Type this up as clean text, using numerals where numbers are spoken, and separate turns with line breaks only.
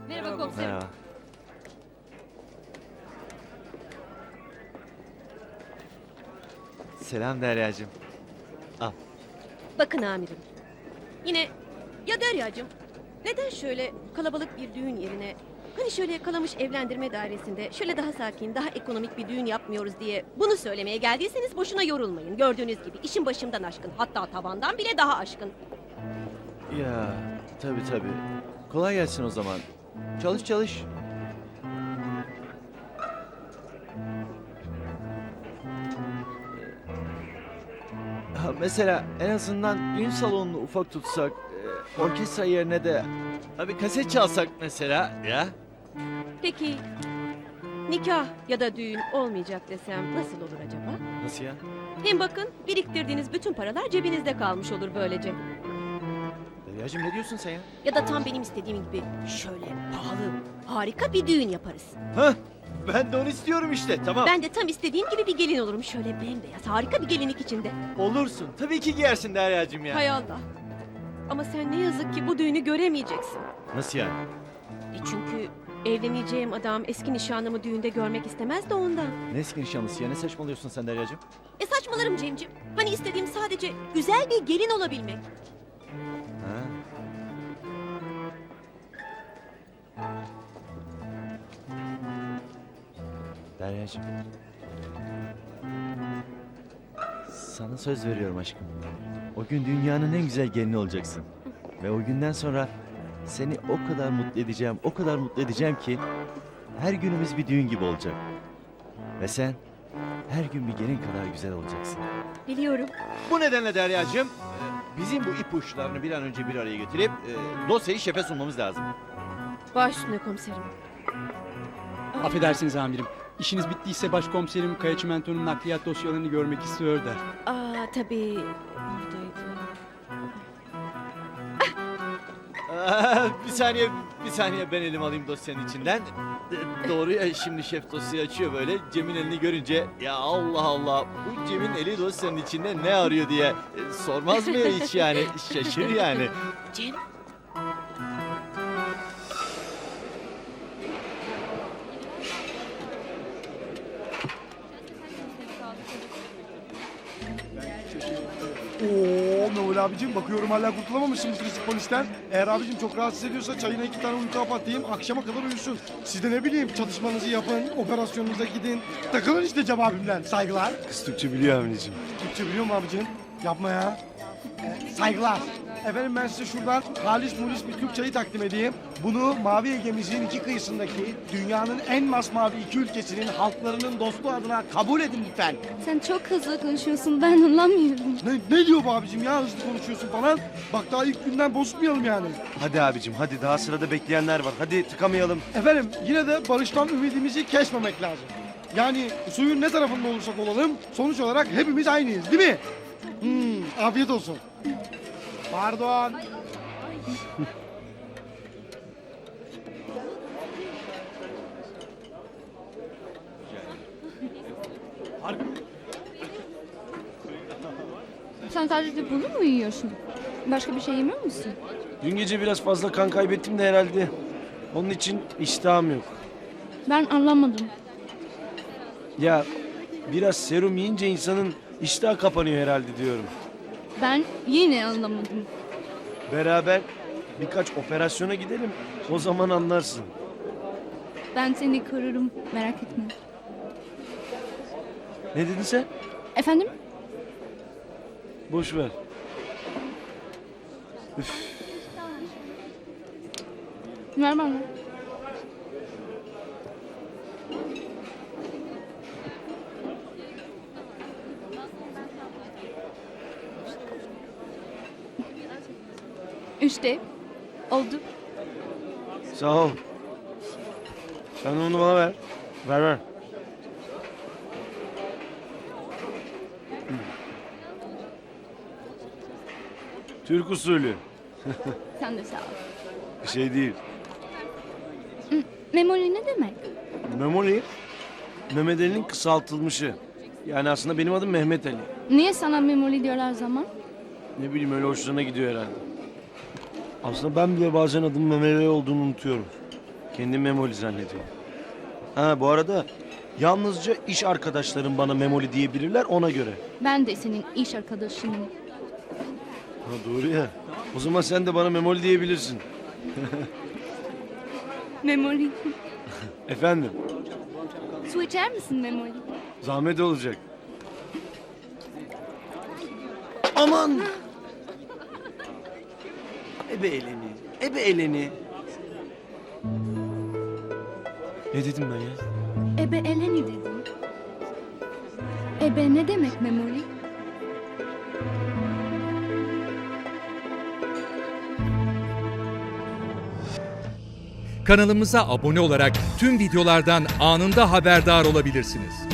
Merhaba komiserim.
Merhaba. Selam Derya'cığım. Al.
Bakın amirim. Yine ya Derya'cığım neden şöyle kalabalık bir düğün yerine hani şöyle Kalamış Evlendirme Dairesi'nde şöyle daha sakin, daha ekonomik bir düğün yapmıyoruz diye bunu söylemeye geldiyseniz boşuna yorulmayın. Gördüğünüz gibi işin başımdan aşkın, hatta tavandan bile daha aşkın.
Ya tabii. Kolay gelsin o zaman. Çalış çalış. Ha, mesela en azından düğün salonunu ufak tutsak, orkestra yerine de bir kaset çalsak mesela ya.
Peki nikah ya da düğün olmayacak desem nasıl olur acaba?
Nasıl ya?
Hem bakın biriktirdiğiniz bütün paralar cebinizde kalmış olur böylece.
Derya'cığım ne diyorsun sen ya?
Ya da tam benim istediğim gibi şöyle pahalı, harika bir düğün yaparız.
Hah, ben de onu istiyorum işte, tamam.
Ben de tam istediğim gibi bir gelin olurum. Şöyle bembeyaz, harika bir gelinlik içinde.
Olursun. Tabii ki giyersin Derya'cığım ya.
Hay Allah. Ama sen ne yazık ki bu düğünü göremeyeceksin.
Nasıl yani?
Çünkü evleneceğim adam eski nişanlımı düğünde görmek istemez de ondan.
Ne eski nişanlısı ya? Ne saçmalıyorsun sen Derya'cığım?
Saçmalarım Cemcim. Hani istediğim sadece güzel bir gelin olabilmek.
Ha. Derya'cığım. Sana söz veriyorum aşkım. O gün dünyanın en güzel gelini olacaksın. Ve o günden sonra seni o kadar mutlu edeceğim, o kadar mutlu edeceğim ki her günümüz bir düğün gibi olacak. Ve sen her gün bir gelin kadar güzel olacaksın.
Biliyorum.
Bu nedenle Derya'cığım bizim bu ipuçlarını bir an önce bir araya getirip dosyayı şefe sunmamız lazım.
Baş üstüne komiserim.
Affedersiniz amirim. İşiniz bittiyse başkomiserim Kaya Çimento'nun nakliyat dosyalarını görmek istiyor da.
Tabii. Buradaydı.
Bir saniye ben elimi alayım dosyanın içinden. Doğru ya, şimdi şef dosyayı açıyor böyle. Cem'in elini görünce ya Allah Allah bu Cem'in eli dosyanın içinde ne arıyor diye sormaz mı hiç yani, şaşır yani.
Cem.
Oo Mevlüt abicim, bakıyorum hala kurtulamamışsın bu klasik polisten. Eğer abicim çok rahatsız ediyorsa çayına 2 tane uyku kapatayım, akşama kadar uyusun. Siz de ne bileyim çatışmanızı yapın, operasyonunuza gidin. Takılın işte Cem abimle. Saygılar.
Kız Türkçe biliyor abicim.
Türkçe biliyor mu abicim? Yapma ya. Saygılar. Efendim ben size şuradan halis mulis bir Türk çayı takdim edeyim. Bunu Mavi Ege'mizin iki kıyısındaki dünyanın en masmavi iki ülkesinin halklarının dostluğu adına kabul edin lütfen.
Sen çok hızlı konuşuyorsun, ben anlamıyorum.
Ne diyor bu abicim ya, hızlı konuşuyorsun falan. Bak daha ilk günden bozmayalım yani.
Hadi abicim hadi, daha sırada bekleyenler var. Hadi tıkamayalım.
Efendim yine de barıştan ümidimizi kesmemek lazım. Yani suyun ne tarafında olursak olalım sonuç olarak hepimiz aynıyız değil mi? Afiyet olsun. Pardon.
Sen sadece bunu mu yiyorsun? Başka bir şey yemiyor musun?
Dün gece biraz fazla kan kaybettim de herhalde. Onun için iştahım yok.
Ben anlamadım.
Ya biraz serum yiyince insanın iştahı kapanıyor herhalde diyorum.
Ben yine anlamadım.
Beraber birkaç operasyona gidelim. O zaman anlarsın.
Ben seni korurum, merak etme.
Ne dedin sen?
Efendim?
Boş ver.
Ver bana. İşte oldu.
Sağ ol. Sen onu bana ver. Ver. Türk usulü.
Sen de sağ ol.
Bir şey değil.
Memoli ne demek?
Memoli, Mehmet Ali'nin kısaltılmışı. Yani aslında benim adım Mehmet Ali.
Niye sana Memoli diyorlar zaman?
Ne bileyim, öyle hoşlarına gidiyor herhalde. Aslında ben bile bazen adımın Mehmet Ali olduğunu unutuyorum. Kendi Memoli zannediyor. Ha bu arada yalnızca iş arkadaşlarım bana Memoli diyebilirler ona göre.
Ben de senin iş arkadaşınım.
Ha doğru ya. O zaman sen de bana Memoli diyebilirsin.
Memoli.
Efendim,
Su içer misin Memoli?
zahmet olacak. Aman! Ebe eleni, ebe eleni. Ne dedim ben ya?
Ebe eleni dedim. Ebe ne demek Memoli?
Kanalımıza abone olarak tüm videolardan anında haberdar olabilirsiniz.